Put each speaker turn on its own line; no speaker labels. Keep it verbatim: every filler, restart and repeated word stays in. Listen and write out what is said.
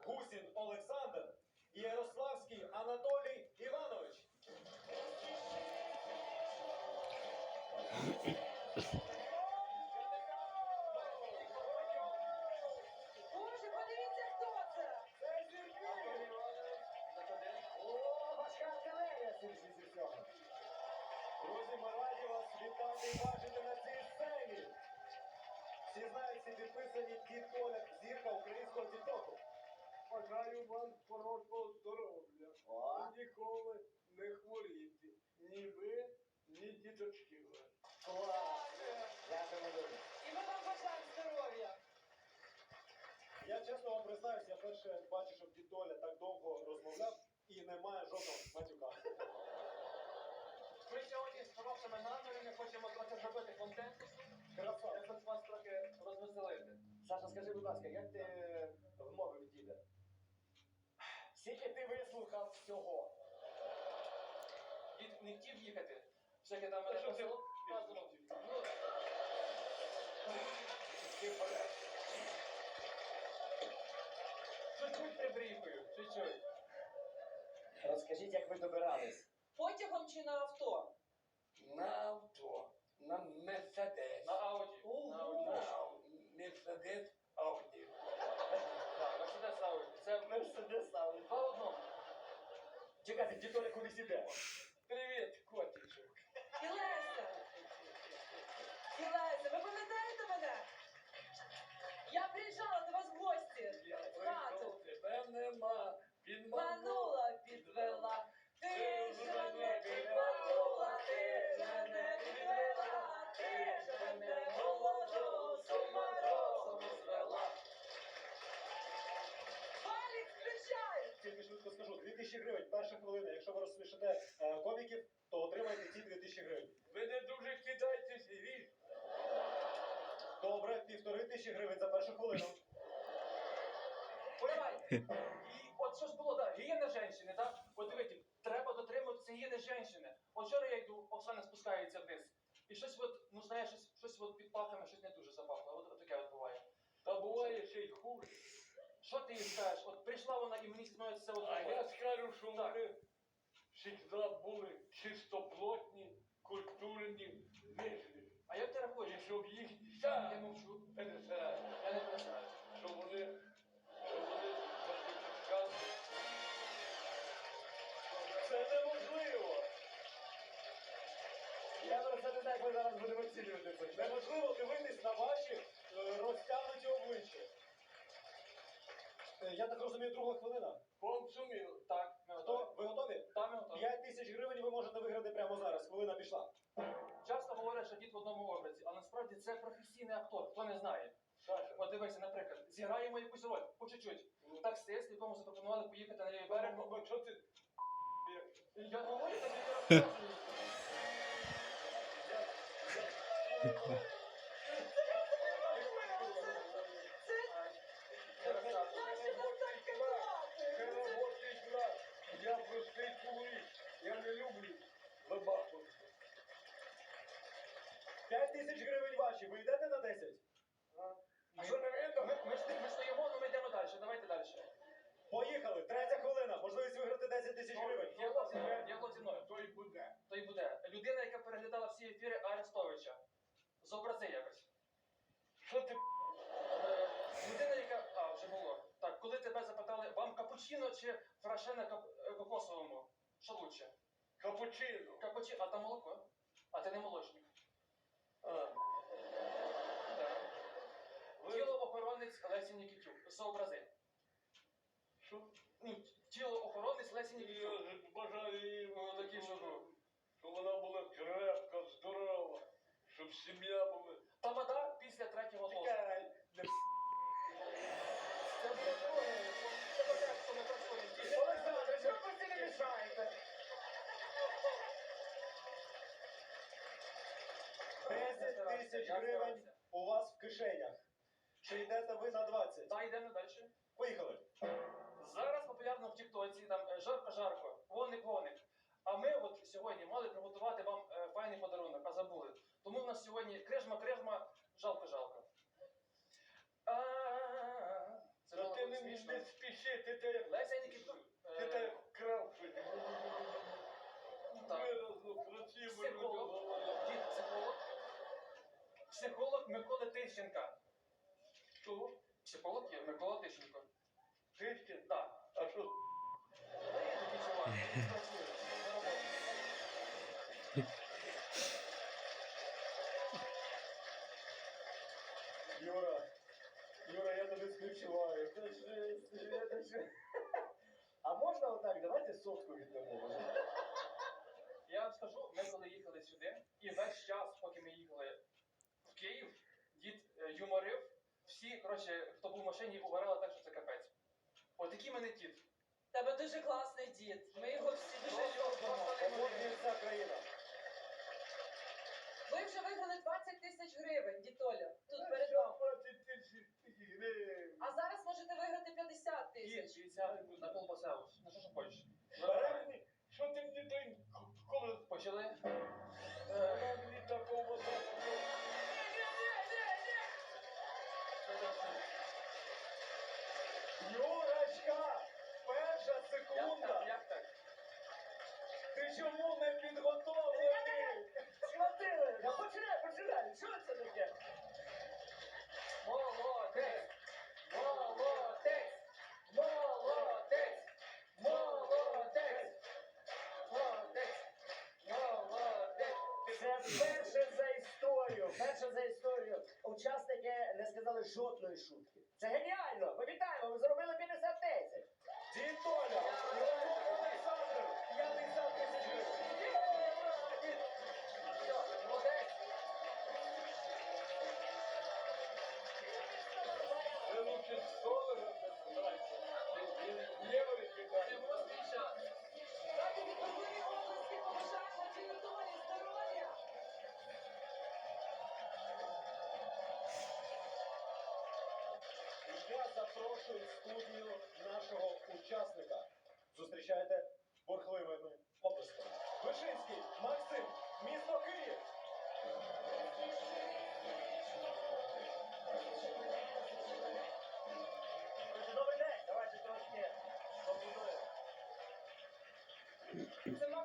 Гусін Олександр і Ярославський Анатолій Іванович.
Боже, подивіться, хто це!
Це Сергій! О, важка артилерія, сільці зі всього. Друзі, ми раді вас вітати і бачити на цій сцені. Всі знають, всі підписані Дід Коля, зірка українського тіктоку.
Бажаю вам хорошого здоров'я.
О.
Ніколи не хворіти. Ні ви, ні діточки ваші.
Клас! Дякуємо дуже.
І ми вам бажаємо здоров'я!
Я чесно вам признаюсь, я перше бачу, щоб Дід Толя так довго розмовляв і немає жодного матюка.
Ми сьогодні з хорошими намірами хочемо трохи зробити контент.
Красава.
Я хочу вас трохи розвеселити.
Саша, скажи, будь ласка, як ти вмовив діда? Скільки ти вислухав всього?
Дід не хотів їхати. Всяке там
Та
мене
що ти
посилав. Казував. Ну,
Ти порядок.
чуть-чуть прибріхую, чуть-чуть.
Розкажіть, як ви добирались?
Потягом чи на авто?
На авто. На Мерседес.
На Ауді. На Ауді.
На Мерседес Ауді.
Так, Мерседес Ауді. Це
Мерседес Ауді.
два в одному.
Чекайте, дід Толя кудись іде.
Привіт, котичок.
І Леся! І Леся, ви пам'ятаєте мене? Я приїжджала до вас в гості.
Я
В хату.
прийшов, тебе нема. Підманула.
Манула, підвела. Ти ж мене підманула, ти ж мене підвела. Ти ж мене молоду з ума розуму звела. Валік, включай!
Тільки швидко скажу, дві тисячі гривень, перша хвилина. Якщо ви розсмішите е, коміків, то отримаєте ці дві тисячі гривень.
Ви не дуже кидайтесь, вірш.
Добре, півтори тисячі гривень за першу хвилину.
Давай. І от що ж було, так, гігієна жінки, так? От дивіться, треба дотримуватися гігієни жінки. От вчора я йду, Оксана спускається вниз. І щось от, ну знаєш, щось, щось от під пахами, щось не дуже запахло. От, от таке от буває.
Та буває ще й хуже.
Що ти їй скажеш? От прийшла вона і мені становиться це от
А
такое.
я скажу, що
Так.
вони завжди були чистоплотні, культурні, вежливі.
А як ти рахуєш?
І щоб їх
Я
я
мовчу.
пересираю,
Я не перестаю.
щоб вони, щоб вони захищали.
Це неможливо!
Я просто не знаю, як ми зараз будемо оцінювати це.
Неможливо дивитись на ваші е, розтягнуті обличчя. Е, Я так розумію, друга хвилина.
Консумів.
Так, ми
Хто?
готові.
Ви готові?
Там ми готові.
п'ять тисяч гривень ви можете виграти прямо зараз. Хвилина пішла.
Часто говорять, що дід в одному образі, але насправді це професійний актор, хто не знає.
Саша,
От дивися, наприклад, зіграємо якусь роль, по чуть-чуть. Таксист, якому запропонували поїхати на лівий берег.
беремо, бо що ти?
Я говорю, тобі я розказую. Я розказую.
Наші нас так казати!
Це робочий клас. Я простий чоловік. Я не люблю забахувати.
п'ять тисяч гривень ваші. Ви йдете на десять?
А що не видно? Ми, ми, ж- ми стоїмо, але ми йдемо далі. Давайте далі.
Поїхали. Третя хвилина. Можливість виграти десять тисяч гривень.
Діалог зі мною, діалог зі мною.
То й буде.
То й буде. Людина, яка переглядала всі ефіри Арестовича. Зобрази якось.
Що ти?
Е, Людина, яка... А, вже було. Так, коли тебе запитали, вам капучино чи фраше кап... е, кокосовому? Що лучше?
Капучино.
Капучино, а там молоко? А ти не молочник.
А,
Так.
ви-
Тілоохоронець Лесі Нікітюк. Зобрази.
Що?
Ну, тілоохоронець Лесі
Я
Нікітюк.
бажаю їй,
Ну, такий, що був.
щоб вона була крепка, здорова, щоб сім'я була.
Тамада після третього тосту.
Чекай, не
Це буде друге. Це буде, що ми працюємо.
Олександр, чому ви це не мішаєте?
десять тисяч гривень у вас в кишенях. Чи йдете ви на двадцять?
Так, йдемо далі.
Поїхали.
Зараз популярно в Тіктоці, там е, жарко-жарко, воник-воник. А ми от сьогодні мали приготувати вам е, файний подарунок, а забули. Тому в нас сьогодні крижма-крижма, жалко-жалко. А, Це
Та
було
ти не,
смішно.
не спіши. Вообще, ти те як
Леся Нікітюк.
ти те як крав щось.
Так.
Виразно, красиво люди
Психолог.
говорять.
Дід психолог. Психолог Микола Тищенка.
Що?
Психолог є Микола Тищенко.
Тишкін?
Так.
А що?
Та є такий чувак, він працює на роботі.
Юра, Юра, я тобі співчуваю. Це ж, це це ж. А можна отак, давайте сотку віддамо.
Я вам скажу, ми коли їхали сюди, і весь час, поки ми їхали в Київ, дід е, юморив, всі, коротше, хто був в машині, угорали так, що це капець. От такий мене дід.
Тебе дуже класний дід. Ми його всі дуже
Просто-
любимо.
просто
От він вся країна.
Ви вже виграли двадцять тисяч гривень, дітоля. Тут
Та
перед
що
вами.
двадцять тисяч гривень?
А зараз можете виграти п'ятдесят
Дід,
тисяч.
дивіться, на колбасеус. Ну що ж хочеш?
Бери мені, що ти мені той колос?
Почали? Е,
Вона мені такого дала.
Юрочка, перша
Як так?
секунда.
Як так?
Ти чому не підготовлений? Схватили. Да починай, починай. Що це таке?
Молодець! Молодець! Молодець! Молодець! Молодець! Молодець!
Це перше за історію. Перше за історію. Учасники не сказали жодної шутки. Це геніально. Ми вітаємо, ви заробили п'ятдесят тисяч. Дід Толя, Іванов Олександр, п'ятдесят тисяч гривень.
Все, молодець!
Це лучше з долара збирається. Євро
Ти
відкидає.
восьмий час.
Раді відповіли області побажаємо дідолі здоров'я.
Я запрошую в студію нашого учасника. Зустрічайте бурхливими оплесками. Вишинський Максим, місто Київ. Добрий день, давайте трошки побудуємо.
Це,